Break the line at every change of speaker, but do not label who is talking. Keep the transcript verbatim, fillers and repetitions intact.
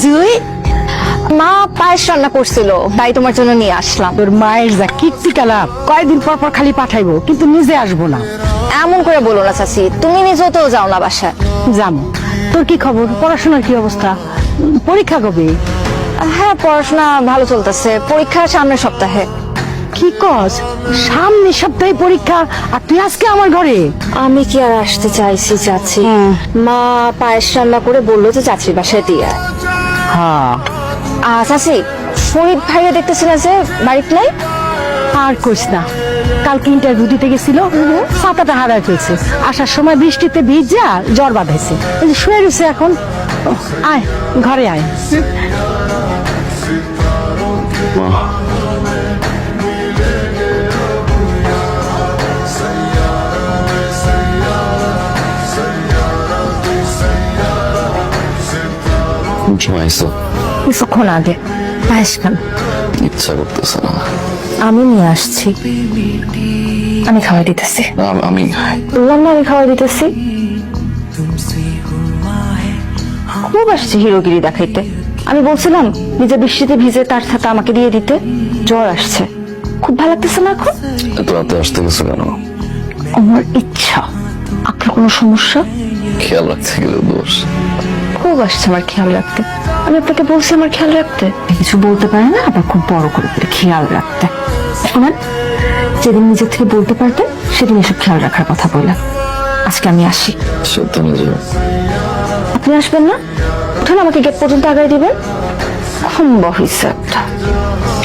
জুই,
মা পায়েস রান্না করছিল, তাই তোমার জন্য নিয়ে আসলাম।
তোর মায়ের যা কীর্তি কালাপ, কয়েকদিন পর পর খালি পাঠাইবো, কিন্তু নিজে আসবো না।
এমন করে বলো না চাচি, তুমি নিজেও তো যাও না বাসায়।
জানো তোর কি খবর, পড়াশোনার কি অবস্থা, পরীক্ষা কবে?
হ্যাঁ, পড়াশোনা ভালো চলতেছে, পরীক্ষা সামনের সপ্তাহে।
কি কস, সামনের সপ্তাহে পরীক্ষা, আর তুই আজকে আমার ঘরে?
আমি কি আর আসতে চাইছি চাচি? মা পায়েস রান্না করে বললো যে চাচির বাসায় দিয়ে আয়।
হ্যাঁ,
আহ, চাচি, ফরিদ ভাইয়া দেখতেছি না যে বাড়িতে নাই।
আর কইস না, কালকে ইন্টারভিউ দিতে গেছিল, ছাতাটা হারায় ফেলছে, আসার সময় বৃষ্টিতে ভিজা জ্বর বাঁধাইছে, এই যে শুয়ে রয়েছে এখন। আয় ঘরে আয়।
ঘুমাইছো?
কিছুক্ষণ আগে। পায়েস খান।
ইচ্ছা করতেছে না।
আমি নিয়ে আসছি, আমি খাওয়াই দিতেছি।
আম- আমি
বললাম না আমি খাওয়াই দিতেছি। খুব আসছে হিরোগিরি দেখাইতে। আমি বলছিলাম নিজে বৃষ্টিতে ভিজে তার সাথে আমাকে দিয়ে দিতে, জ্বর আসছে, খুব ভালো লাগতেছে না এখন।
এত রাতে আসতে গেছো কেন?
আমার ইচ্ছা। আপনার কোনো সমস্যা?
খেয়াল রাখতে গেলে দোষ।
খুব আসছে আমার খেয়াল রাখতে। আমি আপনাকে বলছি আমার খেয়াল রাখতে। কিছু বলতে পারে না, আবার খুব বড় করে করে খেয়াল রাখতে। শোনেন, যেদিন নিজের থেকে বলতে পারতেন সেদিন এসব খেয়াল রাখার কথা বললাম। আজকে আমি আসি।
সাবধানে যাও।
আপনি আসবেন না? উঠুন, আমাকে গেট পর্যন্ত আগায় দিবেন। খুব হয়েছে একটা।